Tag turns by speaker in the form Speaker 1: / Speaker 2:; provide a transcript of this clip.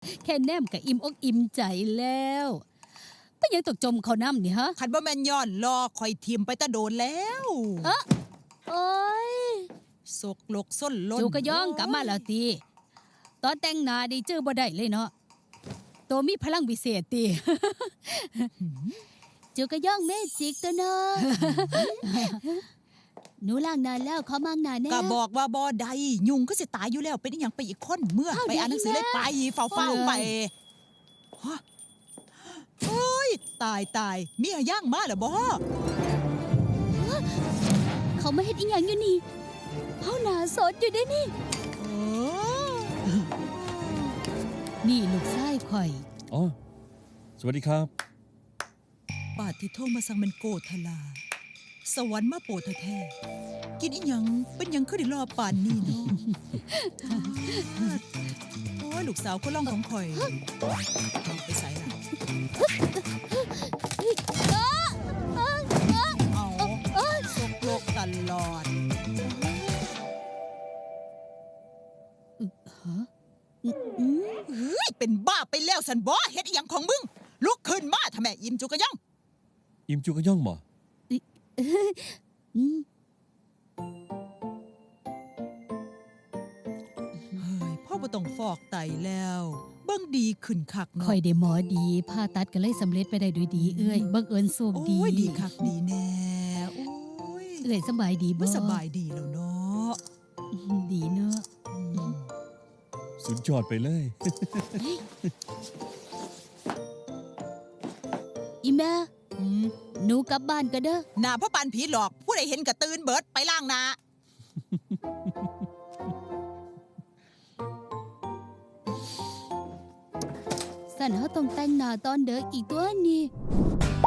Speaker 1: แค่แนมกับอิ่มอกอิ่มใจแล้วไม่ยังตกจมเขาน้ำนี่ฮะ
Speaker 2: คันบ่แม่นย้อนรอคอยทิมไปตะโดนแล้ว
Speaker 1: โอ้ย
Speaker 2: สกลกส้นล้น
Speaker 1: จูกระย่องกลับมาแล้วตีตอนแต่งหน้าดีจื้อบ่ได้เลยเนาะตัวมีพลังวิเศษตี จูกระย่องเมจิกตัวเนาะ หนูล้างหน้าแล้วขอมั่งหน้าแน่
Speaker 2: ก็บอกว่าบ่ได้ยุงก็สิตายอยู่แล้วเป็นอหยังไปอีกคนเมื่อ
Speaker 1: อ้าว
Speaker 2: ไปอ่านหนังสือ
Speaker 1: เดี๋
Speaker 2: เลย
Speaker 1: วย
Speaker 2: ไปเฝ้าๆไปฮะโอ้ยตายมีหย่างมาเหรอบ่
Speaker 1: เขาไม่เห็นอีหยังอยู่นี่เขาหน้าสดอยู่ได้นี่
Speaker 2: เออ
Speaker 1: นี่ลูกชายข่อย
Speaker 3: อ๋อ สวัสดีครับ
Speaker 2: ปาดที่โทรมาสั่งมันโกทลา สวรรค์มาโปรดแท้ๆกินอีหยังเป็นหยังคือได้รอป่านนี้เนาะ โอ้ยลูกสาวคนร่องของข่อยไปใส่ล่ะเอาสกโลกตลอด เฮ้ยเป็นบ้าไปแล้วสันบ่เฮ็ดอีหยังของมึงลุกขึ้นมาทำแม่อิ่มจุกกะย่อง
Speaker 3: อิมจูกระย่องบ่
Speaker 1: อืม
Speaker 2: เฮ้ยพ่อบ่ต้องฟอกไตแล้วเบิ่งดีขึ้นคักเนาะ
Speaker 1: ข่อยได้หมอดีผ่าตัดก็เลยสำเร็จไปได้ด้วยดีเอ้ยบังเอิญโชคดี
Speaker 2: โอ้ยดีคักดีแน่โอ้ย
Speaker 1: เอ้ยสบายดีบ่
Speaker 2: บ่สบายดีแล้วเนาะ
Speaker 1: ดีเนาะ
Speaker 2: อืม
Speaker 3: สุดยอดไปเลย
Speaker 1: อีแม่
Speaker 2: อืม
Speaker 1: หนูกลับบ้านก็เด้อ
Speaker 2: หน้าพ่อปานผีหลอกผู้ใดเห็นก็ตื่นเบิดไปล้างหน้า
Speaker 1: สันเฮาต้องแต่งหน้าตอนเด้ออีกตัวนี่